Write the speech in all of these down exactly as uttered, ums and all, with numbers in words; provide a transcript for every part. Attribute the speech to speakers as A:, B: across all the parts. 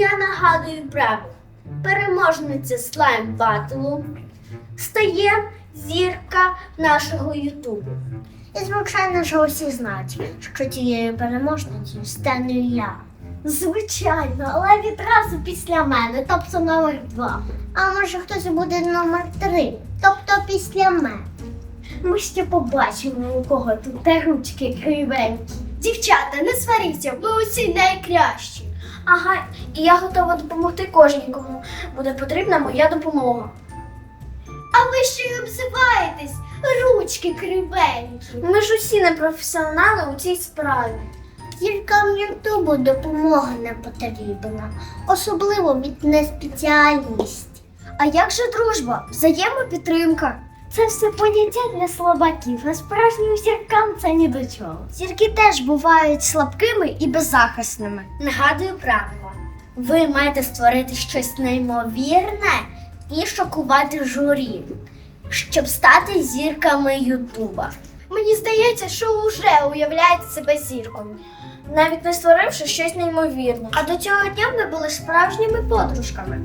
A: Я нагадую правило. Переможниця слайм батлу стає зірка нашого Ютубу.
B: І, звичайно ж, усі знають, що тією переможницею стану я.
A: Звичайно, але відразу після мене, тобто номер два.
B: А може хтось буде номер три, тобто після мене.
A: Ми ще побачимо, у кого тут те ручки кривенькі. Дівчата, не сваріться, ви усі найкращі. Ага, і я готова допомогти кожній, кому буде потрібна моя допомога. А ви ще й обзиваєтесь, ручки кривенькі. Ми ж усі не професіонали у цій справі.
B: Зіркам Ютубу допомога не потрібна, особливо від неспеціальності.
A: А як же дружба, взаємопідтримка? Це все поняття для слабаків, а справжнім зіркам це ні до чого.
B: Зірки теж бувають слабкими і беззахисними.
A: Нагадую правило. Ви маєте створити щось неймовірне і шокувати журі, щоб стати зірками Ютуба. Мені здається, що вже уявляєте себе зіркою, навіть не створивши щось неймовірне. А до цього дня ми були справжніми подружками.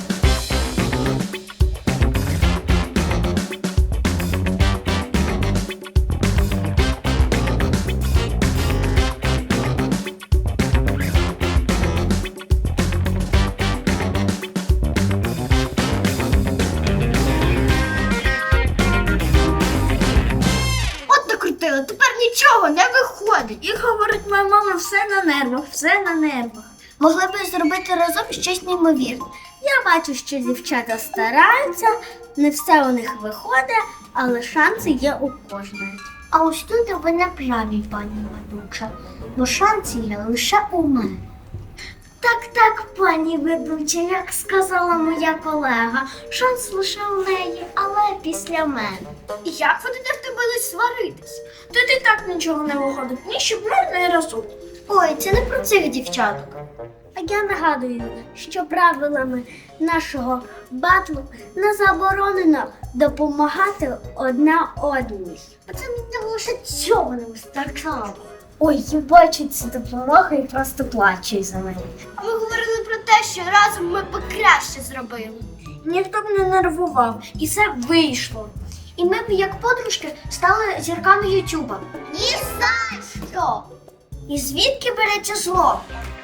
B: Тепер нічого не виходить.
A: І говорить моя мама, все на нервах, все на нервах.
B: Могли б зробити разом щось неймовірне.
A: Я бачу, що дівчата стараються, не все у них виходить, але шанси є у кожної.
B: А ось тут ви не праві, пані ведуча, бо шанси є лише у мене.
A: Так, так, пані ведуча, як сказала моя колега, шанс лише у неї, але після мене. Як ви тепер будуть сваритись? Тут і так нічого не виходить, ні щоб не разу.
B: Ой, це не про цих дівчаток.
A: А я нагадую, що правилами нашого батлу не заборонено допомагати одна одній.
B: А це мені лише цього не вистачало.
A: Ой, я бачу цю допомогу і просто плачу за неї.
B: А ми говорили про те, що разом ми б краще зробили.
A: Ніхто б не нервував, і все вийшло. І ми б, як подружки, стали зірками Ютуба.
B: Ні за що!
A: І звідки береться зло?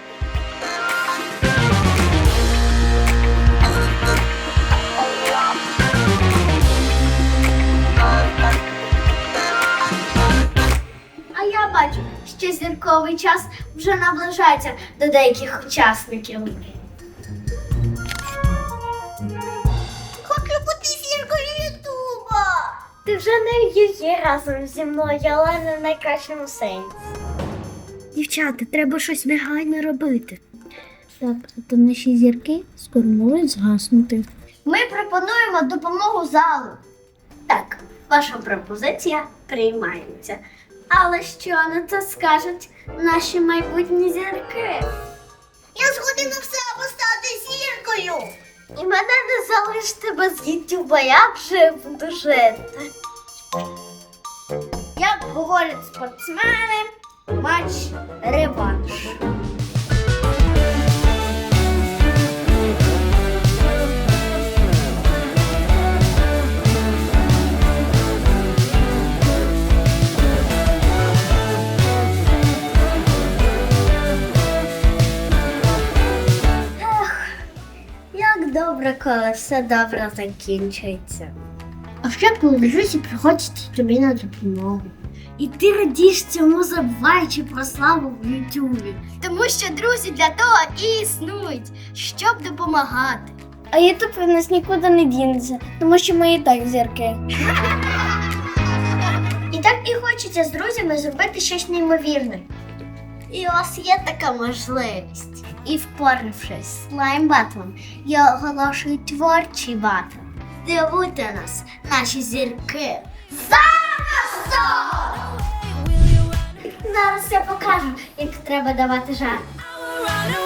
A: А я бачу, що зірковий час вже наближається до деяких учасників.
B: Хочу бути зіркою Ютуба!
A: Ти вже не є разом зі мною, але не в найкращому сенсі.
B: Дівчата, треба щось негайно робити. Так, а то наші зірки скоро можуть згаснути.
A: Ми пропонуємо допомогу залу. Так, ваша пропозиція приймається. Але що на це скажуть наші майбутні зірки?
B: Я згодна все стати зіркою!
A: І мене не залиште без Ютуба, я вже буду жити. Як говорять спортсмени, матч реванш. Як добре, коли все добре закінчується.
B: А ще коли друзі приходять тобі на допомогу.
A: І ти радієш цьому, забуваючи про славу в Ютубі.
B: Тому що друзі для того і існують, щоб допомагати.
A: А Ютуб від нас нікуди не дінеться, тому що ми і так зірки.
B: І так і хочеться з друзями зробити щось неймовірне.
A: І у вас є така можливість. І впоравшись з слайм-батлом, я оголошую творчий батл. Дивуйте нас, наші зірки. Зараз! Зараз я покажу, як треба давати жарт.